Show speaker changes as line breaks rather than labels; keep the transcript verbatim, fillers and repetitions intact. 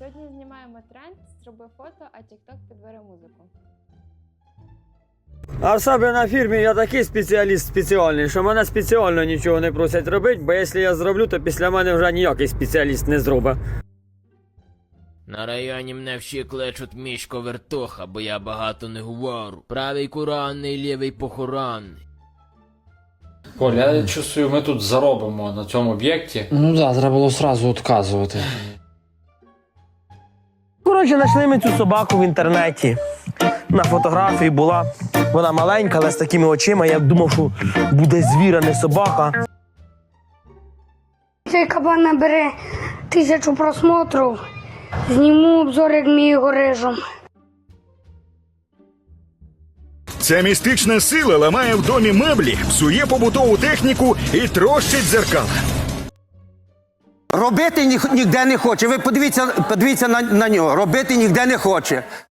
Сьогодні знімаємо тренд, зроби фото, а TikTok підбере музику.
А в себе на фірмі я такий спеціаліст спеціальний, що мене спеціально нічого не просять робити, бо якщо я зроблю, то після мене вже ніякий спеціаліст не зробить.
На районі мене всі кличуть Мішко Вертуха, бо я багато не говорю. Правий куранний, лівий похоронний.
Коль, я чувствую, ми тут заробимо на цьому об'єкті.
Ну так, треба було одразу відказувати.
Коротше, знайшли ми цю собаку в інтернеті. На фотографії була. Вона маленька, але з такими очима. Я думав, що буде звір, а не собака.
Цей кабан набере тисячу просмотрів. Зніму обзор, як ми його режемо.
Ця містична сила ламає в домі меблі, псує побутову техніку і трощить дзеркала.
Робити ні, ніде не хоче. Ви подивіться, подивіться на, на нього. Робити ніде не хоче.